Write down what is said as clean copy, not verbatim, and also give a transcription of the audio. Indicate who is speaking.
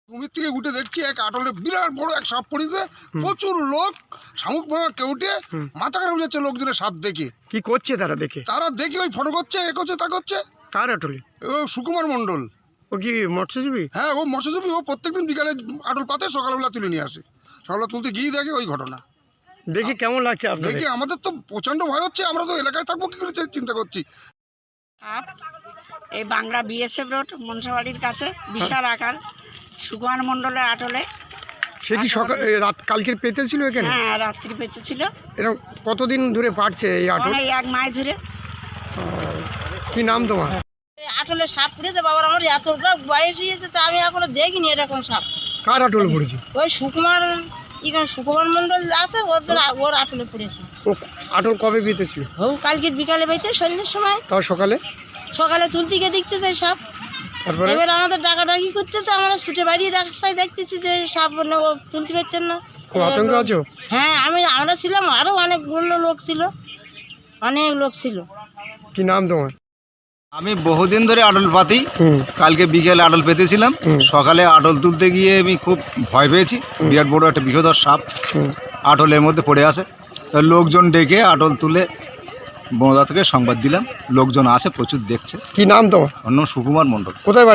Speaker 1: কুমির থেকে উঠে দেখছি এক আটলে বিরাট বড় এক সাপ পড়েছে, প্রচুর লোক শামুক ভাঙা কেউটে মাথা খারাপ যাচ্ছে লোকজনের সাপ দেখে।
Speaker 2: কি করছে তারা দেখে?
Speaker 1: তারা দেখে ওই ফটো করছে, এ করছে, তা করছে।
Speaker 2: কার আটলে?
Speaker 1: ও সুকুমার মণ্ডল।
Speaker 2: ও কি মৎস্যজীবী?
Speaker 1: হ্যাঁ, ও মৎস্যজীবী। ও প্রত্যেকদিন বিকালে আটল পাতে, সকালবেলা তুলে নিয়ে আসে। সকালবেলা তুলতে গিয়ে দেখে ওই ঘটনা।
Speaker 2: দেখে কেমন লাগছে আপনাদের?
Speaker 1: দেখে আমাদের তো প্রচন্ড ভয় হচ্ছে। আমরা তো এলাকায় থাকবো কি করে চিন্তা করছি।
Speaker 3: এই বাংলা বিএসএফ রোড মনসাবাড়ির কাছে বিশাল আকার সুকুমার মণ্ডলের আটলে।
Speaker 2: সে কি সকাল রাত কালকের পেতে ছিল এখানে?
Speaker 3: হ্যাঁ, রাত্রি পেতে ছিল।
Speaker 2: এরকম কতদিন ধরে পাটছে এই আটল?
Speaker 3: অনেক এক মাস ধরে।
Speaker 2: কি নাম তোমার?
Speaker 3: আটলে সাপ পড়েছে বাবার, আমার এতটা বয়স হয়েছে তা আমি এখনো দেখিনি এরকম সাপ।
Speaker 2: কার আটল পড়েছে?
Speaker 3: ওই সুকুমার মণ্ডল আছে, ওর আটলে পড়েছে।
Speaker 2: ও আটল কবে পেতেছিল?
Speaker 3: ও কালকের বিকালে পাইতে সন্ধ্যের সময়।
Speaker 2: তাও
Speaker 3: সকালে তুলতে গিয়ে দেখতেছে সাপ।
Speaker 2: তারপরে
Speaker 3: এবার আমাদের ডাকাডাকি করতেছে, আমরা ছুটে বাইরে রাস্তায় দেখতেছি যে সাপ, মানে ও তুলতে পারতেন না।
Speaker 2: খুব আতঙ্ক আছো?
Speaker 3: হ্যাঁ, আমরা ছিলাম, আরো অনেকগুলো লোক ছিল, অনেক লোক ছিল।
Speaker 2: কি নাম তোমার?
Speaker 4: আমি বহুদিন ধরে আটল পাতি। কালকে বিকেলে আটল পেতেছিলাম, সকালে আটল তুলতে গিয়ে আমি খুব ভয় পেয়েছি। বিরাট বড় একটা বিষধর সাপ আটলের মধ্যে পড়ে আছে। তো লোকজন ডেকে আটল তুলে বনদপ্তরকে সংবাদ দিলাম। লোকজন আসে, প্রচুর দেখছে।
Speaker 2: কি নাম তোমার?
Speaker 4: অন্য সুকুমার মণ্ডল।
Speaker 2: কোথায়?